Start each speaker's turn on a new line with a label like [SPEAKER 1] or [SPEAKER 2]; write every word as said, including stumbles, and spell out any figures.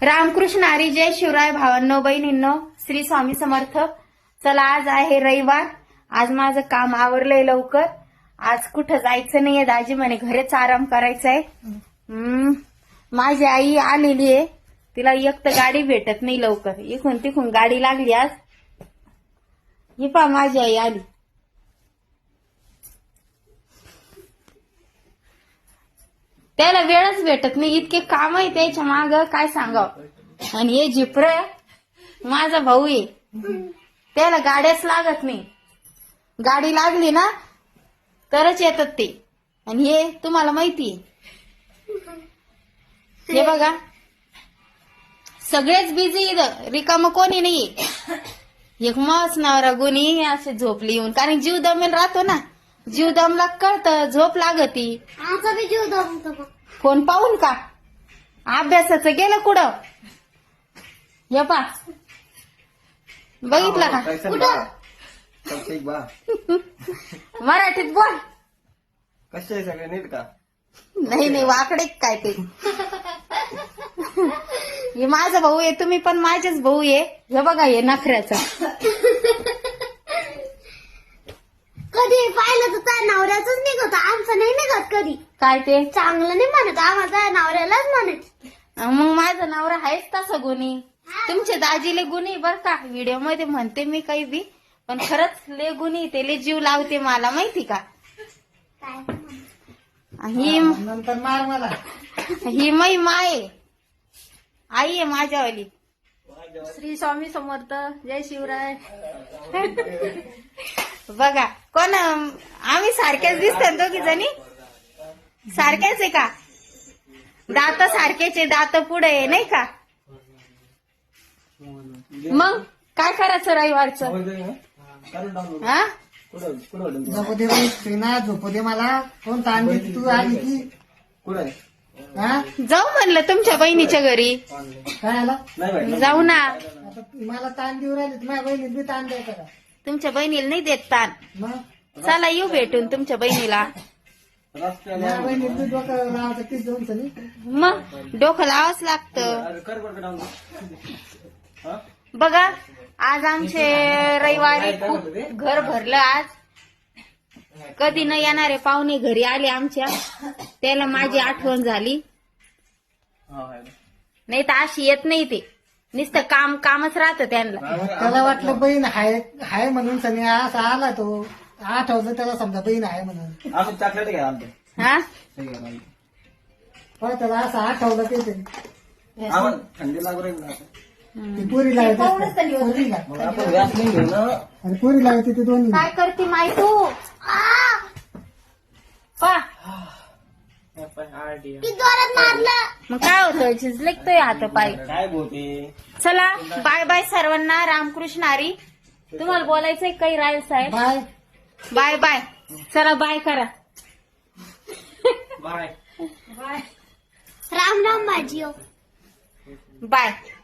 [SPEAKER 1] रामकृष्ण हरी, जय शिवराय भावांनो बहिणींनो, श्री स्वामी समर्थ. चला आज आहे रविवार. आज माझं काम आवरलंय लवकर. आज कुठं जायचं नाहीये. दाजी म्हणे घरीच आराम करायचा आहे. हम्म माझी आई आलेली आहे. तिला एक तर गाडी भेटत नाही लवकर. इकून तिकून गाडी लागली आज. ही पा माझी आई आली. त्याला वेळच भेटत नाही. इतके काम आहे त्याच्या माग काय सांगावं. आणि हे जिप्र माझा भाऊ आहे. त्याला गाड्याच लागत नाही. गाडी लागली ना तरच येतात ते. आणि हे तुम्हाला माहितीये. हे बघा सगळेच बिझी इथं. रिकाम कोणी नाहीये. एक मस्त नवरा गुणी असे झोपली येऊन. कारण जीव दमेल राहतो ना. जीव दमला कळतं झोप लागती.
[SPEAKER 2] आमचा बी जीव दमतो.
[SPEAKER 1] फोन पाहून का अभ्यासाचं गेलं कुठं. ये पा बघितलं का कुठं. मराठीत बोल.
[SPEAKER 3] कसे आहे सगळे नीट का.
[SPEAKER 1] नाही नाही वाकडे काय ते. हे माझा भाऊ आहे. तुम्ही पण माझेच भाऊ आहे. हे बघा हे नखऱ्याचं.
[SPEAKER 2] कधी पाहिलं तर त्या नवऱ्याच निघत. आमचं नाही निघत कधी.
[SPEAKER 1] काय ते
[SPEAKER 2] चांगलं नाही म्हणत. आम्हाला नवऱ्यालाच म्हणत.
[SPEAKER 1] मग माझा नवरा आहेच तसा गुणी. तुमचे दाजीले गुणी बर का. व्हिडिओ मध्ये म्हणते मी काही बी पण खरंच ले गुणी. ते ले जीव लावते मला माहिती का. ही
[SPEAKER 3] नंतर मार मला.
[SPEAKER 1] ही मै माय आई आहे माझ्यावाली. श्री स्वामी समर्थ, जय शिवराय. बघा कोण आम्ही सारख्याच दिसतात दोघी जणी. सारख्याच आहे का. दात सारखेचे. दात पुढे आहे नाही का. मग काय करायचं रविवारचं. हा
[SPEAKER 3] झोपू दे श्रीना. झोपू दे मला. कोण ताण देते तू आली की कुठे. हा
[SPEAKER 1] जाऊ म्हणलं तुमच्या बहिणीच्या घरी.
[SPEAKER 3] काय आला
[SPEAKER 1] जाऊ ना.
[SPEAKER 3] आता मला ताण देऊ राहिले. माझ्या बहिणीत बी ताण द्यायचा का.
[SPEAKER 1] तुमच्या बहिणीला नाही देत ताण.
[SPEAKER 3] मग
[SPEAKER 1] चला येऊ भेटून तुमच्या बहिणीला.
[SPEAKER 3] माझ्या बहिणीत बी डोकं लावायचं तीच दोन सनी.
[SPEAKER 1] मग डोकं लावाच लागतं. बघा आज आमचे रविवारी खूप घर भरलं. आज कधी न येणारे पाहुणे घरी आले आमच्या. त्याला माझी आठवण झाली. नाही तर अशी येत नाही ते. नुसतं काम कामच राहतं त्यांना.
[SPEAKER 3] त्याला वाटलं बहीण हाय हाय म्हणून सनी असा आला तो. आठवलं त्याला समजा बहीण आहे म्हणून.
[SPEAKER 1] हा
[SPEAKER 3] पण त्याला असं आठवलं ते ते.
[SPEAKER 4] थंडी लागू राहील
[SPEAKER 3] ती पुरी लागते. पुरीला आणि पुरी लागते ते दोन्ही.
[SPEAKER 1] काय करते माई तू. पा
[SPEAKER 2] की जोरात मारलं.
[SPEAKER 1] मग काय होतं झिजलेकतोय हात पाय.
[SPEAKER 4] काय बोलते.
[SPEAKER 1] चला बाय बाय सर्वांना. रामकृष्ण हरी. तुम्हाला बोलायचंय काही राहील साहेब.
[SPEAKER 3] Bye
[SPEAKER 1] bye bye. चला बाय करा.
[SPEAKER 4] बाय
[SPEAKER 2] राम राम भाजी.
[SPEAKER 1] बाय.